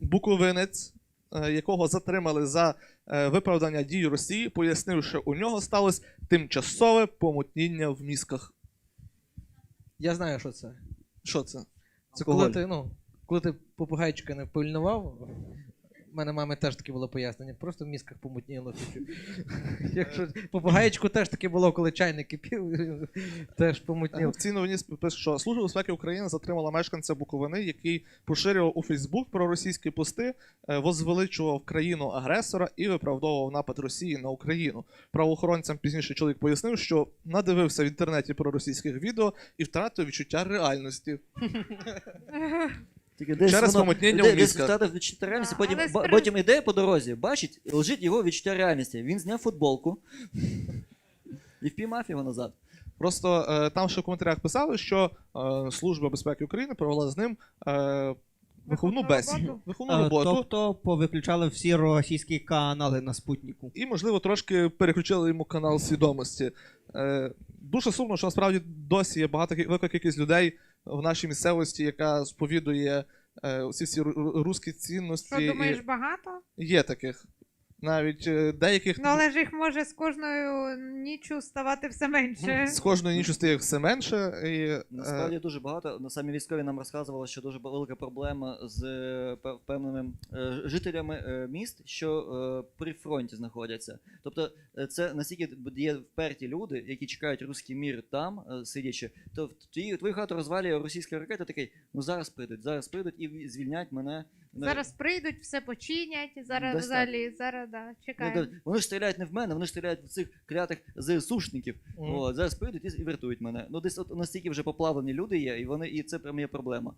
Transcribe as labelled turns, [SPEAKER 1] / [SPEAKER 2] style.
[SPEAKER 1] буковинець, якого затримали за виправдання дій Росії, пояснив, що у нього сталося тимчасове помутніння в мізках.
[SPEAKER 2] Я знаю, що це.
[SPEAKER 1] Що це?
[SPEAKER 2] Це коли ти попугайчика не впильнував. У мене мами теж таке було пояснення, просто в мізках помутніло. Якщо попугаєчку теж таке було, коли чайник кипів, теж помутніло.
[SPEAKER 1] В цій новині пише, що Служба безпеки України затримала мешканця Буковини, який поширював у Фейсбук проросійські пости, возвеличував країну-агресора і виправдовував напад Росії на Україну. Правоохоронцям пізніше чоловік пояснив, що надивився в інтернеті проросійських відео і втратив відчуття реальності. Через помутнення у мізках.
[SPEAKER 3] Втратив відчуття реальності, потім іде по дорозі, бачить, лежить його відчуття реальності. Він зняв футболку і впіймав його назад.
[SPEAKER 1] Просто там ще в коментарях писали, що Служба безпеки України провела з ним виховну бесіду, виховну роботу.
[SPEAKER 4] Тобто повиключали всі російські канали на Спутнику.
[SPEAKER 1] І, можливо, трошки переключили йому канал свідомості. Дуже сумно, що насправді досі є велика кількість людей в нашій місцевості, яка сповідує всі руські цінності.
[SPEAKER 5] Що, думаєш, багато?
[SPEAKER 1] Є таких. Навіть деяких...
[SPEAKER 5] Ну, але ж їх може з кожною ніччю ставати все менше.
[SPEAKER 1] З кожною ніччю стає все менше.
[SPEAKER 3] Насправді дуже багато. Самі військові нам розказували, що дуже велика проблема з певними жителями міст, що при фронті знаходяться. Тобто це настільки є вперті люди, які чекають руський мір там, сидячи, то твою хату розвалює російська ракета, такий, ну зараз прийдуть і звільнять мене.
[SPEAKER 5] Зараз прийдуть, все починять, зараз взагалі, да, чекаємо.
[SPEAKER 3] Вони ж стріляють не в мене, вони ж стріляють в цих клятих ЗСУшників. Зараз прийдуть і врятують мене. Ну десь от настільки вже поплавлені люди є, і це прям є проблема.